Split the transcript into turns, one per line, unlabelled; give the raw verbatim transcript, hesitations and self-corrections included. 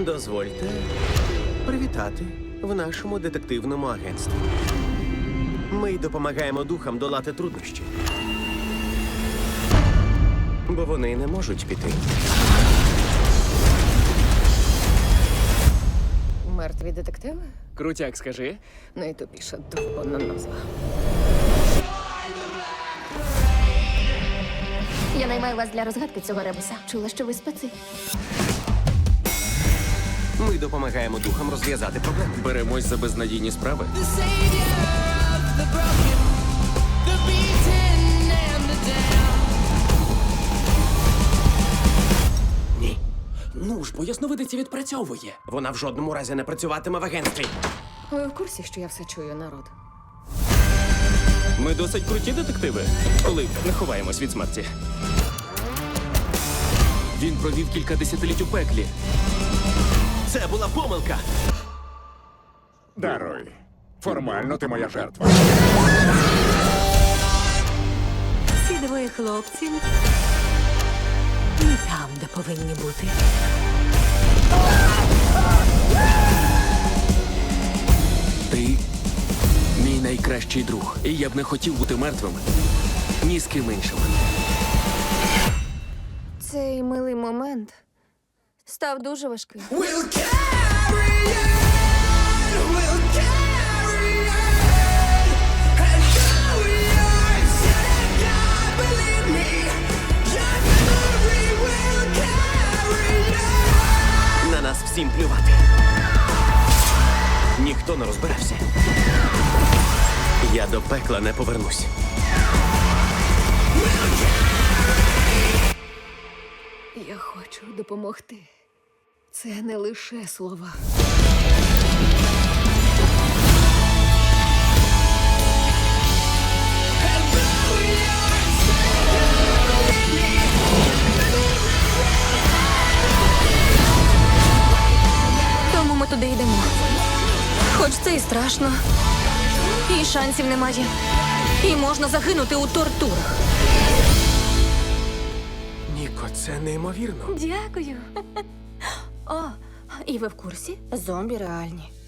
Дозвольте привітати в нашому детективному агентстві. Ми допомагаємо духам долати труднощі. Бо вони не можуть піти.
Мертві детективи?
Крутяк, скажи.
Найтупіша довбана назва.
Я наймаю вас для розгадки цього ребуса. Чула, що ви спеці.
Ми допомагаємо духам розв'язати проблеми.
Беремось за безнадійні справи.
The savior of the broken, the beaten and the down.
Ні.
Ну ж, бо ясновидиця відпрацьовує.
Вона в жодному разі не працюватиме в агентстві.
Ви в курсі, що я все чую, народ?
Ми досить круті детективи, коли не ховаємось від смерті. Він провів кілька десятиліть у пеклі.
Це була помилка.
Даруй. Формально ти моя жертва.
Ці двоє хлопців не там, де повинні бути.
Ти мій найкращий друг. І я б не хотів бути мертвим ні з ким іншим.
Цей милий момент став дуже важким.
We'll carry on, we'll carry on. And though we are sick, God, believe me, your memory will carry on.
На нас всім плювати. Ніхто не розбирався. Я до пекла не повернусь.
Я хочу допомогти. Це не лише слова.
Тому ми туди йдемо. Хоч це і страшно, і шансів немає, і можна загинути у тортурах.
Ніко, це неймовірно.
Дякую. О, і ви в курсі? Зомбі реальні.